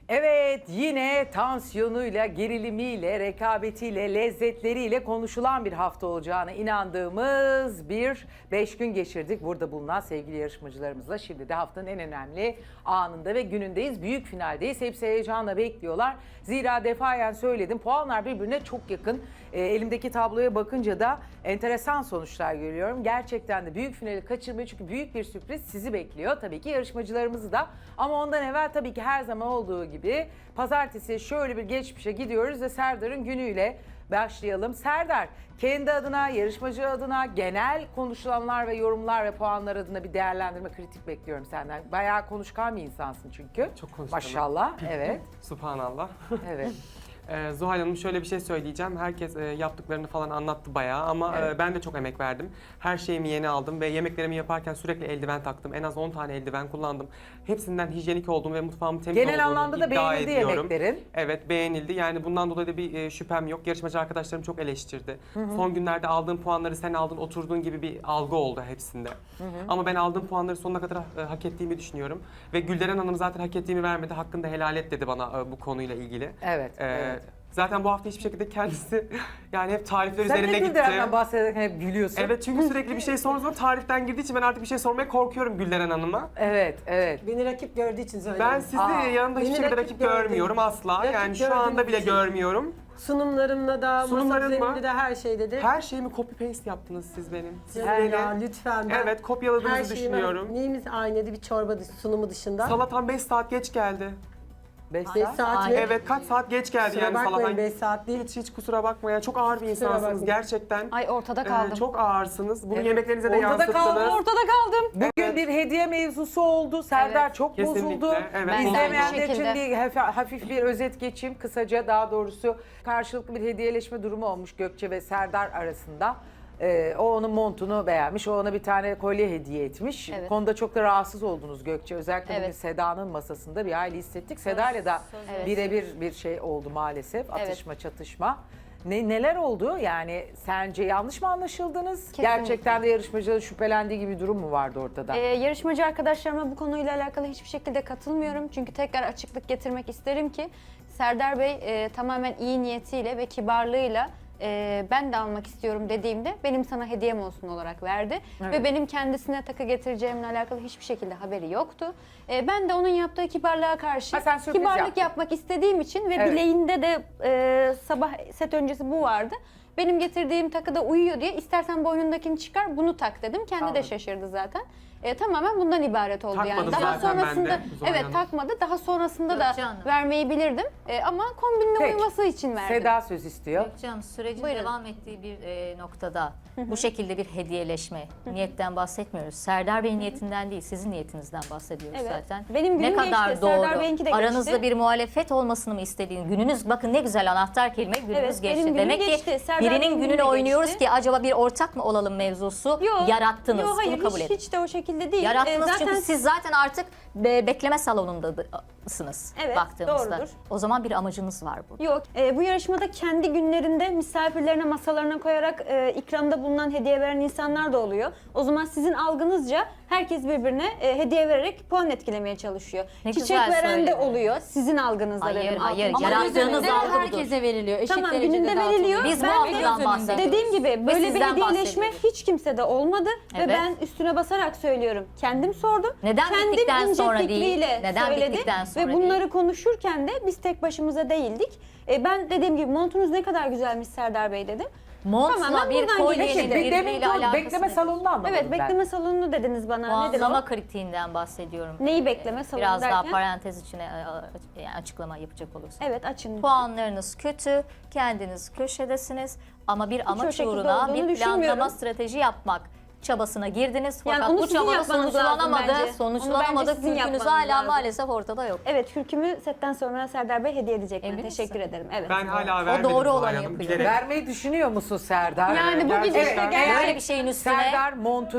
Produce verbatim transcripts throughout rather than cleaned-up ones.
Evet, yine tansiyonuyla, gerilimiyle, rekabetiyle, lezzetleriyle konuşulan bir hafta olacağına inandığımız bir beş gün geçirdik. Burada bulunan sevgili yarışmacılarımızla şimdi de haftanın en önemli anında ve günündeyiz. Büyük finaldeyiz. Hepsi heyecanla bekliyorlar. Zira defayen söyledim, puanlar birbirine çok yakın. E, elimdeki tabloya bakınca da enteresan sonuçlar görüyorum. Gerçekten de büyük finali kaçırmayın çünkü büyük bir sürpriz sizi bekliyor. Tabii ki yarışmacılarımızı da, ama ondan evvel tabii ki her zaman olduğu gibi pazartesi şöyle bir geçmişe gidiyoruz ve Serdar'ın günüyle başlayalım. Serdar, kendi adına, yarışmacı adına, genel konuşulanlar ve yorumlar ve puanlar adına bir değerlendirme, kritik bekliyorum senden. Bayağı konuşkan bir insansın çünkü. Çok konuşkanım. Maşallah, evet. Subhanallah. Evet. Ee, Zuhal Hanım, şöyle bir şey söyleyeceğim. Herkes e, yaptıklarını falan anlattı bayağı ama Evet. e, ben de çok emek verdim. Her şeyimi yeni aldım ve yemeklerimi yaparken sürekli eldiven taktım. En az on tane eldiven kullandım. Hepsinden hijyenik olduğum ve mutfağımın temiz Genel olduğunu anlamda da iddia beğenildi ediyorum. yemeklerin. Evet, beğenildi. Yani bundan dolayı da bir e, şüphem yok. Yarışmacı arkadaşlarım çok eleştirdi. Hı hı. Son günlerde aldığım puanları sen aldın, oturduğun gibi bir algı oldu hepsinde. Hı hı. Ama ben aldığım puanları sonuna kadar e, hak ettiğimi düşünüyorum. Ve Gülderen Hanım zaten hak ettiğimi vermedi. Hakkında helal et dedi bana e, bu konuyla ilgili. Evet, Ee, evet. Zaten bu hafta hiçbir şekilde kendisi yani hep tarifler Sen üzerine de gitti. Gülderen'den bahsederken hep gülüyorsun. Evet, çünkü sürekli bir şey sorduğum zaman tariften girdiği için ben artık bir şey sormaya korkuyorum Gülderen Hanım'a. Evet, evet. Beni rakip gördüğü için söylüyorum. Ben sizi Aa, yanında hiç beni şekilde rakip rakip gördüm. görmüyorum asla. Rakip Yani şu gördüğüm anda bile için. görmüyorum. Sunumlarımla da, masa Sunumların mı? üzerinde de her şeyde de. Her şeyimi copy paste yaptınız siz benim. Siz Yani beni. ya lütfen. Ben Evet, kopyaladığınızı her şeyimi- düşünüyorum. Neyimiz aynıydı bir çorba dışı, sunumu dışında. Salatan beş saat geç geldi. Beş beş saat. saat ve Evet, kaç saat geç geldi kusura yani bakmayın salatan. beş saat değil. Hiç hiç kusura bakma ya. Çok ağır bir insansınız bakmayın. gerçekten. Ay ortada Ee, kaldım. çok ağırsınız. Bunu Evet. yemeklerinize de Ortada yansıttınız. kaldım, Ortada kaldım. Bugün Evet. bir hediye mevzusu oldu. Serdar Evet. çok Kesinlikle, bozuldu. evet. Ben de İzlemeyenler aynı için şekilde. bir hafif, hafif bir özet geçeyim. Kısaca, daha doğrusu karşılıklı bir hediyeleşme durumu olmuş Gökçe ve Serdar arasında. Ee, o onun montunu beğenmiş, o ona bir tane kolye hediye etmiş. Evet. Konuda çok da rahatsız oldunuz Gökçe. Özellikle bugün Evet. Seda'nın masasında bir hayli hissettik. Seda'yla da Evet. birebir bir şey oldu maalesef. Atışma, çatışma. Ne, neler oldu? Yani sence yanlış mı anlaşıldınız? Kesinlikle. Gerçekten de yarışmacıların şüphelendiği gibi bir durum mu vardı ortada? Ee, yarışmacı arkadaşlarıma bu konuyla alakalı hiçbir şekilde katılmıyorum. Çünkü tekrar açıklık getirmek isterim ki Serdar Bey e, tamamen iyi niyetiyle ve kibarlığıyla e, ben de almak istiyorum dediğimde benim sana hediyem olsun olarak verdi. Evet. Ve benim kendisine takı getireceğimle alakalı hiçbir şekilde haberi yoktu. E, ben de onun yaptığı kibarlığa karşı Ha, sen sürpriz kibarlık yaptın. yapmak istediğim için ve Evet. bileğinde de e, sabah set öncesi bu vardı. Benim getirdiğim takıda uyuyor diye istersen boynundakini çıkar bunu tak dedim. Kendi Anladım. de şaşırdı zaten. E, tamamen bundan ibaret oldu Takmadım yani. Daha zaten ben sonrasında de, Zuhal evet Hanım. takmadı. Daha sonrasında da Gökçe Hanım. vermeyi bilirdim. E, ama kombinle Peki. uyuması için verdim. Seda söz istiyor. Gökçe Hanım, sürecin Buyurun. devam ettiği bir e, noktada bu şekilde bir hediyeleşme niyetten bahsetmiyoruz. Serdar Bey'in niyetinden değil, sizin niyetinizden bahsediyoruz Evet. zaten. Benim günüm ne kadar geçti, doğru. Serdar Bey'inki de geçti. Aranızda bir muhalefet olmasını mı istediğin gününüz, bakın ne güzel anahtar kelime, gününüz Evet, benim geçti. günüm Demek geçti, ki Serdar Bey'in birinin günü gününü de oynuyoruz geçti. ki acaba bir ortak mı olalım mevzusu Yok, yarattınız. yok, hayır, Bunu kabul hiç, edin. hiç de o şekilde değil. Yarattınız E, zaten çünkü siz zaten artık be- bekleme salonundasınız Evet, baktığımızda. doğrudur. O zaman bir amacınız var burada. Yok. E, bu yarışmada kendi günlerinde misafirlerine masalarına koyarak e, ikramda bulunan hediye veren insanlar da oluyor. O zaman sizin algınızca herkes birbirine e, hediye vererek puan etkilemeye çalışıyor. Ne Çiçek güzel veren de söyledin. oluyor. Sizin algınızda Hayır, benim hayır. algım. Yarattığınız gününde algı budur. herkese veriliyor. Eşit Tamam, derecede gününde dağıtılıyor. veriliyor. Biz bu Ben de algıdan bahsediyoruz. Dediğim gibi böyle bir sizden hediyeleşme bahsediyoruz. hiç kimsede olmadı Evet. ve ben üstüne basarak söylüyorum. Kendim sordum. Neden Kendim bittikten ince sonra değil? fikriyle Neden söyledi bittikten sonra ve bunları konuşurken de biz tek başımıza değildik. E, ben dediğim gibi montunuz ne kadar güzelmiş Serdar Bey dedim. Montla Tamamen bir buradan kolyenin gelişti. Peki, demin birbiriyle o alakası bekleme nedir? salonunu anlamadım Evet, ben. bekleme salonunu dediniz bana. Nedir Puanlama o? kritiğinden bahsediyorum. Neyi bekleme salonu Biraz daha derken? parantez içine e, e, yani açıklama yapacak olursak. Evet, açın. lütfen. Puanlarınız kötü, kendiniz köşedesiniz ama bir o amaç şekilde uğruna olduğunu bir planlama düşünmüyorum. strateji yapmak çabasına girdiniz Yani fakat onu bu sizin çabada yapmanız lazım sonuçlanamadı. bence. Onu Sonuçlanamadı. bence sizin Kürkünüz yapmanız hala lazım. maalesef ortada yok. Evet, kürkümü setten sonra Serdar Bey hediye edecek bana. Emin Teşekkür misin? ederim. Evet. Ben hala O vermedim doğru Zuhal olanı Hanım. yapıyor. Bilerek- Vermeyi düşünüyor musun Serdar? Yani bu gidişle Evet, gel- eğer Böyle bir şeyin üstüne Serdar montunu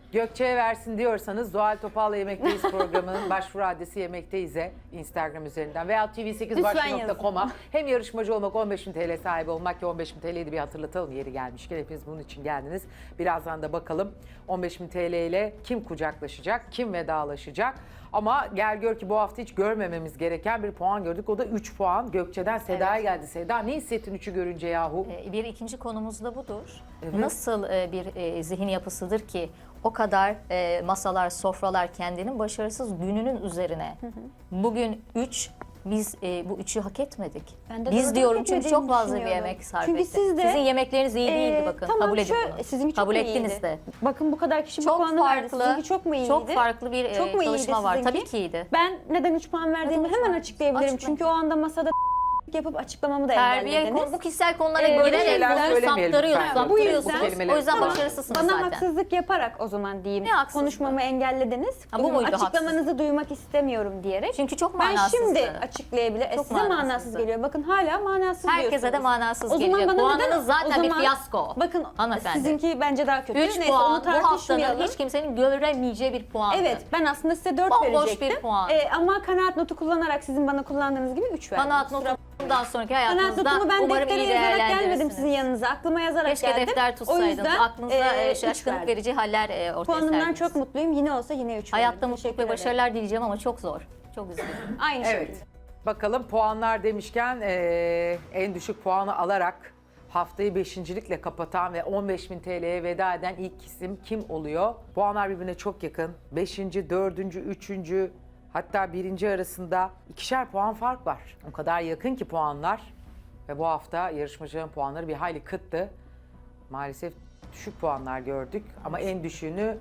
Gökçe'ye versin diyorsanız Zuhal Topal'la Yemekteyiz programının başvuru adresi Yemekteyiz'e Instagram üzerinden veya T V sekiz Lütfen başvuru nokta yazın. com'a hem yarışmacı olmak on beş bin T L sahibi olmak ki on beş bin T L'yi de bir hatırlatalım yeri gelmişken hepiniz bunun için geldiniz. Birazdan da bakalım on beş bin T L ile kim kucaklaşacak, kim vedalaşacak. Ama gel gör ki bu hafta hiç görmememiz gereken bir puan gördük. O da üç puan. Gökçe'den Seda'ya geldi. Seda ne hissettin üçü görünce yahu? Ee, Bir ikinci konumuz da budur. Evet. Nasıl e, bir e, zihin yapısıdır ki o kadar e, masalar, sofralar kendinin başarısız gününün üzerine. Bugün üç, biz e, bu üçü hak etmedik. Ben de Biz doğru diyorum hak çünkü etmediğini çok fazla bir düşünüyorum. emek sarf Çünkü etti. siz de, Sizin yemekleriniz iyi değildi Ee, bakın. tamam, Kabul edin şöyle, bunu. sizinki çok Kabul mu ettiniz iyiydi? de. Bakın bu kadar kişi bu Çok puanı verdi. farklı, Sizinki çok mu iyiydi? çok farklı bir Çok e, mu iyiydi çalışma var. sizinki? Tabii ki iyiydi. Ben neden üç puan verdiğimi Neden üç hemen puan? açıklayabilirim. Açıkla. Çünkü o anda masada yapıp açıklamamı da Terbiye, engellediniz. bu kişisel konulara Ee, böyle girerek şeyler konuyu söylemeyelim saptırıyorsunuz, lütfen. Bu saptırıyorsunuz. yüzden- kelimeleri O yüzden kullanın. başarısızsınız Bana zaten. haksızlık yaparak o zaman diyeyim. Ne haksızlığı? Konuşmamı engellediniz. Ha, bu Bugün muydu açıklamanızı duymak istemiyorum diyerek. Çünkü çok ben manasızdı. şimdi açıklayabilirim. E, Çok size manasız manasızdı. geliyor. Bakın hala manasız Herkese diyorsunuz. de manasız O zaman gelecek. bana Puanınız neden- zaten o bir zaman- fiyasko. Bakın Hanımefendi. sizinki bence daha kötü. üç Neyse puan onu bu haftanın tartışmayalım. hiç kimsenin göremeyeceği bir puandı. Evet, ben aslında size dört Bomboş verecektim. bir puan. Ee, ama kanaat notu kullanarak sizin bana kullandığınız gibi üç verdim. Kanaat Kusura- notundan sonraki Kanaat hayatınızda notumu ben umarım deftere iyi yazarak gelmedim değerlendirirsiniz. sizin yanınıza. Aklıma yazarak Keşke geldim. defter O tutsaydınız. yüzden Aklınızda e, e, üç şaşkınlık verdim. verici haller e, ortaya Puanımdan serdiniz. çok mutluyum. Yine olsa yine üç Hayatta verdim. mutluluk Teşekkür ve ederim. başarılar dileyeceğim ama çok zor. Çok üzgünüm. Aynı Evet. şekilde. Bakalım puanlar demişken eee, en düşük puanı alarak haftayı beşincilikle kapatan ve on beş bin T L'ye veda eden ilk isim kim oluyor? Puanlar birbirine çok yakın. beşinci, dördüncü, üçüncü hatta birinci arasında ikişer puan fark var. O kadar yakın ki puanlar ve bu hafta yarışmacıların puanları bir hayli kıttı. Maalesef düşük puanlar gördük ama en düşüğünü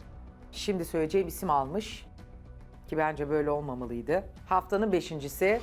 şimdi söyleyeceğim isim almış. Ki bence böyle olmamalıydı. Haftanın beşincisi.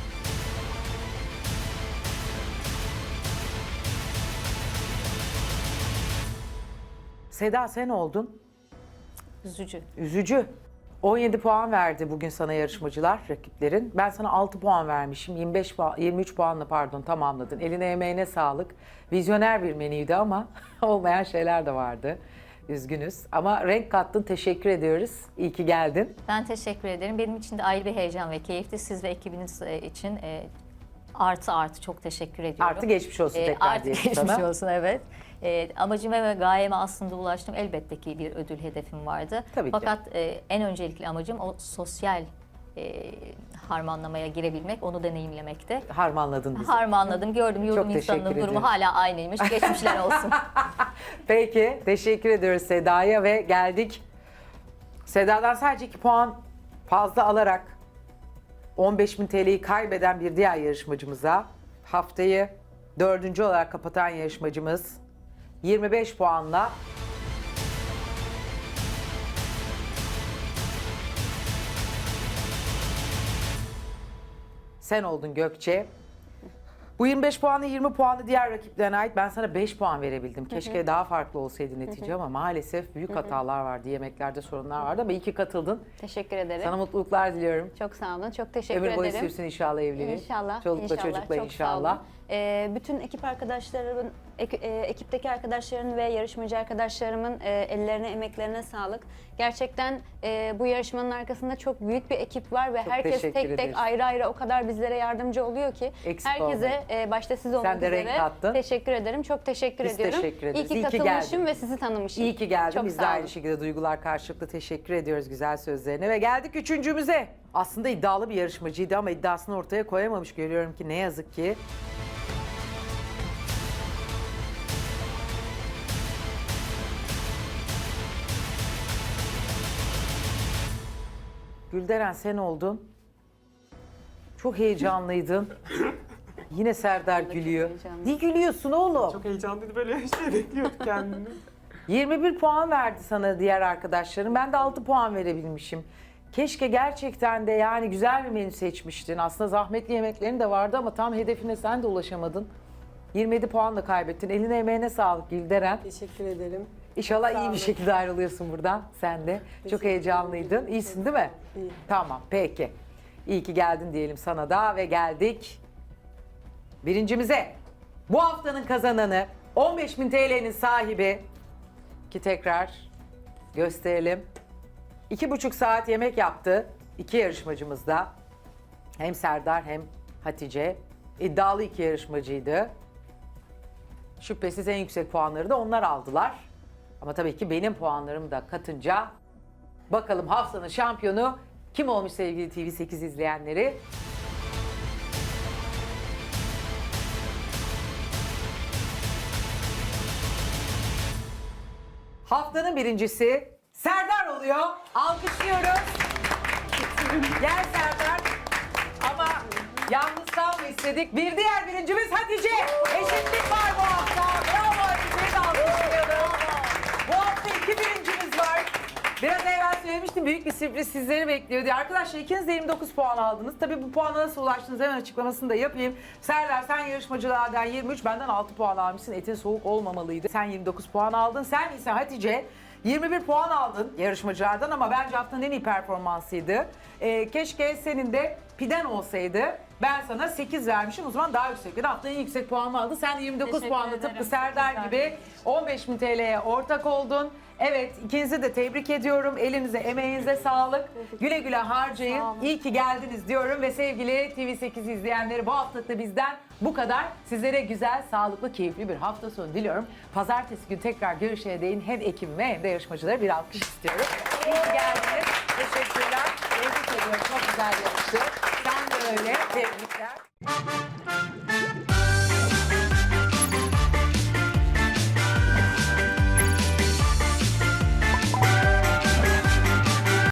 Seda sen oldun. Üzücü. Üzücü. on yedi puan verdi bugün sana yarışmacılar, rakiplerin. Ben sana altı puan vermişim. yirmi beş puan, yirmi üç puanla pardon tamamladın. Eline emeğine sağlık. Vizyoner bir menüydü ama olmayan şeyler de vardı. Üzgünüz. Ama renk kattın. Teşekkür ediyoruz. İyi ki geldin. Ben teşekkür ederim. Benim için de ayrı bir heyecan ve keyifti. Siz ve ekibiniz e, için e, artı artı çok teşekkür ediyorum. Artı geçmiş olsun E, tekrar artı diyelim geçmiş sana. olsun, evet. E, amacıma ve gayeme aslında ulaştım. Elbette ki bir ödül hedefim vardı. Tabii ki. Fakat e, en öncelikli amacım o sosyal e, harmanlamaya girebilmek, onu deneyimlemekte. Harmanladın bizi. Harmanladım, gördüm yorum Çok teşekkür insanının durumu ederim. hala aynıymış. Geçmişler olsun. Peki, teşekkür ediyoruz Seda'ya ve geldik. Seda'dan sadece iki puan fazla alarak on beş bin T L'yi kaybeden bir diğer yarışmacımıza, haftayı dördüncü olarak kapatan yarışmacımız yirmi beş puanla sen oldun Gökçe. Bu yirmi beş puanı yirmi puanı diğer rakiplerine ait. Ben sana beş puan verebildim. Keşke daha farklı olsaydı netice ama maalesef büyük hatalar vardı. Yemeklerde sorunlar vardı ama iyi ki katıldın. Teşekkür ederim. Sana mutluluklar diliyorum. Çok sağ olun. Çok teşekkür Ömür boyu ederim. sürsün inşallah evliliğin. İnşallah. Çolukla inşallah, çocukla çok inşallah. Sağ olun. Ee, bütün ekip arkadaşlarımın, ek- e, ekipteki arkadaşların ve yarışmacı arkadaşlarımın e, ellerine, emeklerine sağlık. Gerçekten e, bu yarışmanın arkasında çok büyük bir ekip var ve Çok herkes teşekkür tek tek ederiz. ayrı ayrı o kadar bizlere yardımcı oluyor ki. Eksik herkese e, başta siz olmak Sen de renk üzere kattın. teşekkür ederim. Çok teşekkür Biz ediyorum. teşekkür İyi ederiz. ki İyi ki katılmışım geldin. ve sizi tanımışım. İyi ki geldin. Çok Biz de sağ olun. aynı şekilde duygular karşılıklı teşekkür ediyoruz güzel sözlerine. Ve geldik üçüncümüze. Aslında iddialı bir yarışmacıydı ama iddiasını ortaya koyamamış. Görüyorum ki ne yazık ki. Gülderen sen oldun. Çok heyecanlıydın. Yine Serdar gülüyor. heyecanlıyım. Niye gülüyorsun oğlum? Çok heyecanlıydı, böyle şey bekliyorduk kendini. yirmi bir puan verdi sana diğer arkadaşların. Ben de altı puan verebilmişim. Keşke gerçekten de yani güzel bir menü seçmiştin. Aslında zahmetli yemeklerin de vardı ama tam hedefine sen de ulaşamadın. yirmi yedi puanla kaybettin. Eline emeğine sağlık Gülderen. Teşekkür ederim. İnşallah Sağ iyi olun. bir şekilde ayrılıyorsun buradan sen de. Çok Teşekkür heyecanlıydın. ederim. İyisin değil mi? İyi. Tamam peki. İyi ki geldin diyelim sana da ve geldik birincimize. Bu haftanın kazananı on beş bin T L'nin sahibi ki tekrar gösterelim. İki buçuk saat yemek yaptı iki yarışmacımız da. Hem Serdar hem Hatice. İddialı iki yarışmacıydı. Şüphesiz en yüksek puanları da onlar aldılar. Ama tabii ki benim puanlarımı da katınca bakalım haftanın şampiyonu kim olmuş sevgili T V sekiz izleyenleri? Haftanın birincisi Serdar oluyor. Alkışlıyoruz. Gel Serdar. Ama yalnız kalma istedik. Bir diğer birincimiz Hatice. Eşitlik var bu hafta. Bravo Hatice'yi de alkışlayalım. Bu hafta iki birincimiz var. Biraz evvel söylemiştim, büyük bir sürpriz sizleri bekliyor diye. Arkadaşlar ikiniz de yirmi dokuz puan aldınız. Tabii bu puana nasıl ulaştınız hemen açıklamasını da yapayım. Serdar sen yarışmacılardan yirmi üç, benden altı puan almışsın. Etin soğuk olmamalıydı. Sen yirmi dokuz puan aldın. Sen ise Hatice yirmi bir puan aldın yarışmacılardan ama bence haftanın en iyi performansıydı. Ee, keşke senin de piden olsaydı. Ben sana sekiz vermişim, o zaman daha yüksek. Haftanın en yüksek puanını aldın. Sen de yirmi dokuz Teşekkür puanla ederim. tıpkı Serdar gibi on beş bin T L'ye ortak oldun. Evet, ikinizi de tebrik ediyorum. Elinize, emeğinize sağlık. Güle güle harcayın. İyi ki geldiniz diyorum ve sevgili T V sekiz izleyenleri, bu haftalık da bizden bu kadar. Sizlere güzel, sağlıklı, keyifli bir hafta sonu diliyorum. Pazartesi günü tekrar görüşene değin hem ekibime hem de yarışmacılara bir alkış istiyorum. İyi ki geldiniz. Teşekkürler. Tebrik ediyorum. Çok güzel yarıştı. Sen de öyle. Tebrikler.